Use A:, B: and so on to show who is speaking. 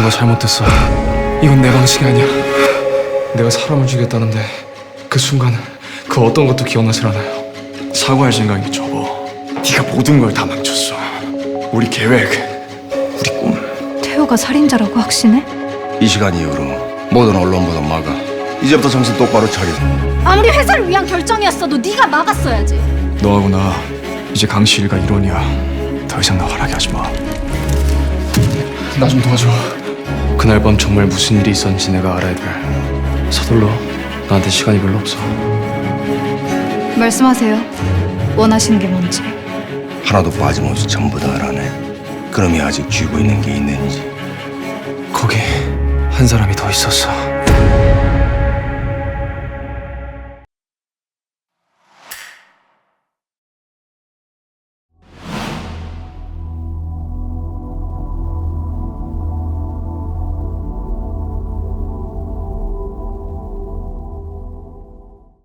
A: 뭔가 잘못됐어. 이건 내 방식이 아니야. 내가 사람을 죽였다는데 그 순간 그 어떤 것도 기억나질 않아요.
B: 사과할 생각이 접어. 네가 모든 걸 다 망쳤어. 우리 계획, 우리 꿈.
C: 태호가 살인자라고 확신해?
D: 이 시간 이후로 모든 언론 보도 막아. 이제부터 정신 똑바로 차려.
C: 아무리 회사를 위한 결정이었어도 네가 막았어야지.
B: 너하고 나 이제 강씨 일가 일원이야. 더 이상 나 화나게 하지 마.
A: 나 좀 도와줘. 그날 밤 정말 무슨 일이 있었는지 내가 알아야 돼. 서둘러. 나한테 시간이 별로 없어.
C: 말씀하세요. 원하시는 게 뭔지.
D: 하나도 빠짐없이 전부 다 알아내. 그놈이 아직 쥐고 있는 게 있는지.
A: 거기 한 사람이 더 있었어.